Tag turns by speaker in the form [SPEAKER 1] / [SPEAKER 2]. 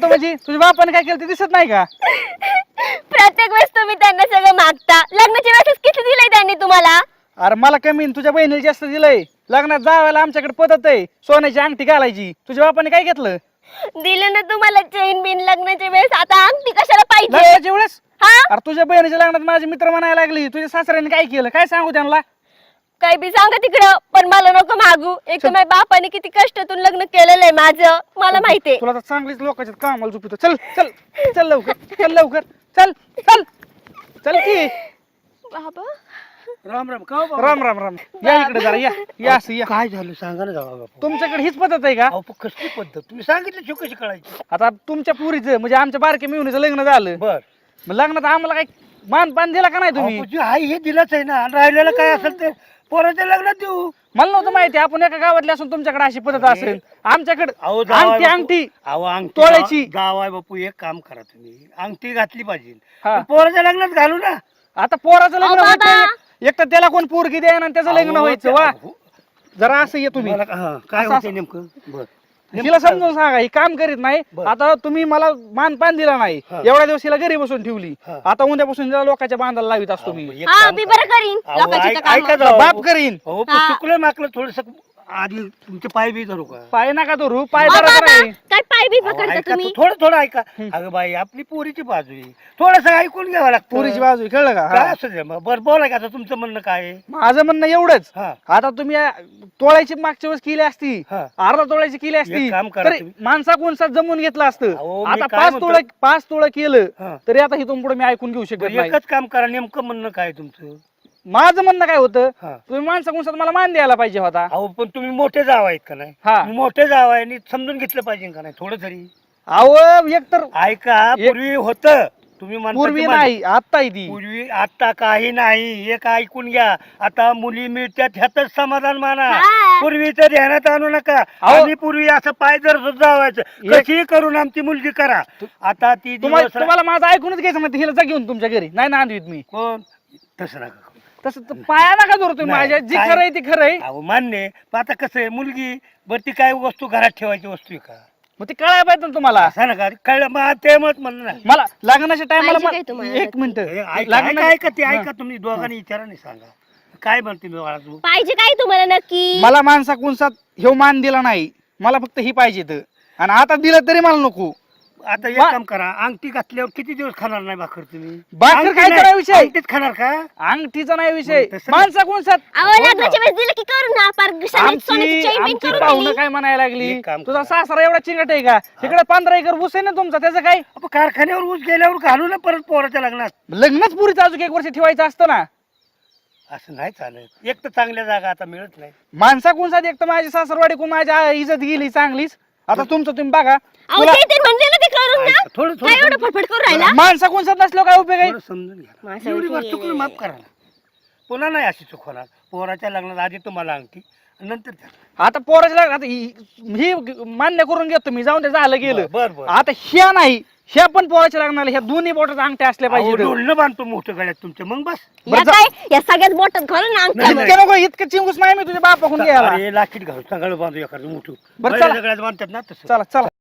[SPEAKER 1] होतं म्हणजे तुझ्या बापाने काय केलं ते दिसत नाही का?
[SPEAKER 2] प्रत्येक वेळेस तुम्ही त्यांना सगळं मागता. लग्नाच्या वेळेस किती दिलंय त्यांनी तुम्हाला?
[SPEAKER 1] अरे मला कमी आणि तुझ्या बहिणीला जास्त दिलंय. लग्नात जावायला आमच्याकडे पद्धत आहे सोन्याची अंगठी घालायची. तुझ्या बापाने काय घेतलं?
[SPEAKER 2] दिलं ना तुम्हाला चेन बिन लग्नाच्या वेळेस. आता अंगठी कशाला पाहिजे?
[SPEAKER 1] लग्नाच्या वेळेस
[SPEAKER 2] हा
[SPEAKER 1] अरे तुझ्या बहिणीच्या लग्नात माझे मित्र म्हणायला लागली तुझ्या सासऱ्याने काय केलं काय सांगू त्यांना?
[SPEAKER 2] काय बी सांगा तिकडं, पण मला नको मागू. एक तर माझ्या बापाने किती कष्टातून लग्न केलेलं आहे माझं, मला माहितीये.
[SPEAKER 1] तुला तर चांगलीच लोकांच्या कामाला झोपितो. चल चल चल लवकर चल लवकर चल चल चल की.
[SPEAKER 2] बाबा
[SPEAKER 3] राम राम का बाबा?
[SPEAKER 1] राम राम राम या इकडे जरा या या असं या.
[SPEAKER 3] काय झालं सांगा ना जावा बापू.
[SPEAKER 1] तुमच्याकडे हीच पद्धत आहे का?
[SPEAKER 3] अहो पण कसली पद्धत तुम्ही सांगितलं शिव कशी कळायची?
[SPEAKER 1] आता तुमच्या पुरीचं म्हणजे आमच्या बारक्या मिळूनचं लग्न झालं.
[SPEAKER 3] बर
[SPEAKER 1] मग लग्नात आम्हाला काही मान पान दिला का नाही तुम्ही?
[SPEAKER 3] तुम्ही आई हे दिलंच आहे ना आणि राहिलेलं काय असेल ते पोराच्या लग्नात देऊ.
[SPEAKER 1] मला नव्हतं माहिती आपण एका गावातले असून तुमच्याकडे अशी पद्धत असेल. आमच्याकडे
[SPEAKER 3] अहो जावई
[SPEAKER 1] अंगठी
[SPEAKER 3] बापू.
[SPEAKER 1] अंगठी
[SPEAKER 3] अहो अंगठी
[SPEAKER 1] तोळ्याची.
[SPEAKER 3] जावाय बापू एक काम करा तुम्ही अंगठी घातली पाहिजे
[SPEAKER 1] हा.
[SPEAKER 3] पण पोराच्या लग्नात घालू ना.
[SPEAKER 1] आता पोराचं लग्न
[SPEAKER 2] अहो,
[SPEAKER 1] व्हायचं
[SPEAKER 2] बाबा.
[SPEAKER 1] एक तर त्याला कोण पोरगी द्या आणि त्याचं लग्न
[SPEAKER 3] अहो,
[SPEAKER 1] व्हायचं वा.
[SPEAKER 3] त्या-
[SPEAKER 1] जरा असं ये तुम्ही
[SPEAKER 3] काय
[SPEAKER 1] असं-
[SPEAKER 3] होते नेमकं? बर
[SPEAKER 1] हिला समजून सांगा ही काम करीत नाही.
[SPEAKER 3] बरं.
[SPEAKER 1] आता तुम्ही मला मान पान दिला नाही
[SPEAKER 3] हा.
[SPEAKER 1] एवढ्या दिवस हिला घरी बसून ठेवली.
[SPEAKER 3] हा.
[SPEAKER 1] आता उद्यापासून हिला लोकांच्या बांधायला लावित असतो मी.
[SPEAKER 3] एक
[SPEAKER 2] हा
[SPEAKER 3] काम
[SPEAKER 2] मी
[SPEAKER 3] करा.
[SPEAKER 2] बरं करीन
[SPEAKER 3] अहो,
[SPEAKER 2] लोकांची तर
[SPEAKER 3] ऐका
[SPEAKER 2] कामं.
[SPEAKER 3] जावई
[SPEAKER 1] बाप
[SPEAKER 3] बापू.
[SPEAKER 1] करीन.
[SPEAKER 3] हो पण
[SPEAKER 2] हा.
[SPEAKER 3] चुकलं माकलं थोडस आधी तुमचे पाय बी धरू का?
[SPEAKER 1] पाय नका धरू पाय
[SPEAKER 2] अहो,
[SPEAKER 1] धरा
[SPEAKER 2] बाबा,
[SPEAKER 1] नाही.
[SPEAKER 2] काय पाय बी
[SPEAKER 3] अहो,
[SPEAKER 2] पकडता
[SPEAKER 3] ऐका
[SPEAKER 2] तुम्ही?
[SPEAKER 3] थोडं थोडं ऐका. अगं बाई आपली पोरीची बाजू आहे थोडस ऐकून घ्यावं लागतं.
[SPEAKER 1] पोरीची बाजू आहे, कळलं का?
[SPEAKER 3] काय
[SPEAKER 1] हा.
[SPEAKER 3] असू दे मग बरं बोला का आता तुमचं म्हणणं काय आहे?
[SPEAKER 1] माझं म्हणणं एवढंच.
[SPEAKER 3] हा
[SPEAKER 1] आता तुम्ही तोळ्याची मागच्या वेळेस केली असती
[SPEAKER 3] हा.
[SPEAKER 1] अर्धा तोळ्याची केली असती
[SPEAKER 3] एक काम करा
[SPEAKER 1] तर
[SPEAKER 3] तुम्ही.
[SPEAKER 1] माणसा कोणसा जमून घेतलं असतं.
[SPEAKER 3] अहो, मी
[SPEAKER 1] आता
[SPEAKER 3] काय
[SPEAKER 1] 5
[SPEAKER 3] म्हणतो-
[SPEAKER 1] तोळं 5 तोळं केलं
[SPEAKER 3] हा.
[SPEAKER 1] तरी आता इथून पुढे मी ऐकून घेऊ शकत
[SPEAKER 3] बरं,
[SPEAKER 1] नाही.
[SPEAKER 3] एकच काम करा नेमकं म्हणणं काय आहे तुमचं?
[SPEAKER 1] माझं म्हणणं काय होतं
[SPEAKER 3] हा.
[SPEAKER 1] तुम्ही माणसा कोणसा मला मान द्यायला पाहिजे होता.
[SPEAKER 3] अहो पण तुम्ही मोठे जाव आहेत का नाही?
[SPEAKER 1] हा.
[SPEAKER 3] तुम्ही मोठे जाव आहे आणि समजून घेतलं पाहिजे का नाही थोडं तरी?
[SPEAKER 1] अहो एक तर
[SPEAKER 3] ऐका
[SPEAKER 1] एक-
[SPEAKER 3] पूर्वी होतं तुम्ही म्हणता
[SPEAKER 1] पूर्वी
[SPEAKER 3] ते मान-
[SPEAKER 1] नाही आता ती
[SPEAKER 3] पूर्वी आता काही नाही एक ऐकून घ्या आता मुली मिळतात ह्यातच समाधान माना.
[SPEAKER 2] हा.
[SPEAKER 3] पूर्वीचं ध्यानात आणू नका.
[SPEAKER 1] अहो.
[SPEAKER 3] आम्ही पूर्वी असं पाय जर जावायचं कशी करून आमची मुलगी करा. आता ती दिवस
[SPEAKER 1] तुम्हाला माझं ऐकूनच घ्यायचं म्हणते हिला जा घेऊन तुमच्या घरी नाही ना आणवीत मी.
[SPEAKER 3] कोण तसं नका करू.
[SPEAKER 1] तसं तर पाया नका धरू तुम्ही
[SPEAKER 3] नाही,
[SPEAKER 1] माझ्या जी
[SPEAKER 3] काय-
[SPEAKER 1] खरं आहे ती खरं आहे.
[SPEAKER 3] अहो मान्य आहे. पण आता कसं आहे मुलगी बरं ती काय वस्तू घरात ठेवायची वस्तू आहे का?
[SPEAKER 1] मग ते कळायला पाहिजे ना तुम्हाला.
[SPEAKER 3] असं नका कळलं मग ते मत म्हणलं ना.
[SPEAKER 1] मला लग्नाच्या
[SPEAKER 2] पाहिजे काय
[SPEAKER 1] टायमाला
[SPEAKER 2] तुम्हाला?
[SPEAKER 1] एक मिनिट
[SPEAKER 3] हे ऐका ऐका ते ऐका तुम्ही दोघांनी विचारा नाही सांगा काय म्हणते मी बाळा तू?
[SPEAKER 2] पाहिजे काय तुम्हाला नक्की?
[SPEAKER 1] मला माणसा कोणसात ह्यो मान दिला नाही मला फक्त ही पाहिजे तर. आणि आता दिलं तरी मला नको.
[SPEAKER 3] आता एक
[SPEAKER 1] वा-
[SPEAKER 3] काम करा अंगठी घातल्यावर किती दिवस खाणार नाही भाकर तुम्ही?
[SPEAKER 1] भाकर
[SPEAKER 3] अंगठी
[SPEAKER 1] काय
[SPEAKER 3] नाही,
[SPEAKER 1] करा विषय?
[SPEAKER 3] अंगठीच खाणार का?
[SPEAKER 1] अंगठीचा नाही विषय
[SPEAKER 3] मग तसं नाही.
[SPEAKER 1] माणसा कोणसात
[SPEAKER 2] अहो लग्नाच्या वेळेस दिलं की करू ना पार सोन्याची चेन बिन
[SPEAKER 1] आमची
[SPEAKER 2] करून
[SPEAKER 1] पाहुणं
[SPEAKER 2] दिली.
[SPEAKER 1] काय म्हणायला लागली
[SPEAKER 3] एक काम
[SPEAKER 1] तुझा
[SPEAKER 3] करा.
[SPEAKER 1] सासरा एवढा चिंगट आहे का तिकडे 15 एकर ऊस आहे ना तुमचा त्याचं काय
[SPEAKER 3] आपण कारखान्यावर ऊस गेल्यावर घालू ना परत पोराच्या लग्नात.
[SPEAKER 1] लग्नच पुरीचं अजून 1 वर्ष ठेवायचं असतं ना.
[SPEAKER 3] असं नाही चालत. एक तर चांगल्या जागा आता मिळत नाही.
[SPEAKER 1] माणसा कोणसात एक तर माझी सासरवाडी कोण माझ्या इज्जत गेली चांगलीच. आता तुमचं तुम्ही बघा
[SPEAKER 2] अहो
[SPEAKER 1] तुला
[SPEAKER 2] ते म्हणले ना ते करून ना.
[SPEAKER 3] ऐका, थोडं
[SPEAKER 2] काय एवढं
[SPEAKER 3] थोडं
[SPEAKER 2] फटफट करून राहिला?
[SPEAKER 1] माणसा कोणसात नसलो काय उपयोग आहे.
[SPEAKER 3] थोडं समजून घ्या.
[SPEAKER 2] माणसाची
[SPEAKER 3] एवढी वाट
[SPEAKER 2] ये-
[SPEAKER 3] चुकून माफ करा ना. पुन्हा नाही अशी चूक होणार. पोराच्या लग्नात आधी तुम्हाला अंगठी नंतर त्याला.
[SPEAKER 1] आता पोराच्या लग्नात ही मान्य करून घेतो मी जाऊन ते झालं गेलं.
[SPEAKER 3] बर बर
[SPEAKER 1] आता ह्या नाही ह्या पण पोराच्या लग्नाला ह्या दोन्ही बोटाच्या अंगठ्या असल्या
[SPEAKER 3] अहो,
[SPEAKER 1] पाहिजे.
[SPEAKER 3] डोलणं बांधतो मोठं गळ्यात तुमच्या मग बस.
[SPEAKER 1] बरं
[SPEAKER 2] या
[SPEAKER 1] जा-
[SPEAKER 2] काय या सगळ्याच बोटात घालून ना अंगठ्या
[SPEAKER 3] नाही,
[SPEAKER 2] बघ.
[SPEAKER 1] इतकं नको इतकं चिंगूस नाही मी तुझ्या बापाकडून घ्यायला.
[SPEAKER 3] अरे लाकीट घालू सगळं बांधू एखादं मोठं
[SPEAKER 1] बरं,
[SPEAKER 3] बैलं
[SPEAKER 1] चला.
[SPEAKER 3] सगळ्यात बांधतात ना तसं.
[SPEAKER 1] चला चला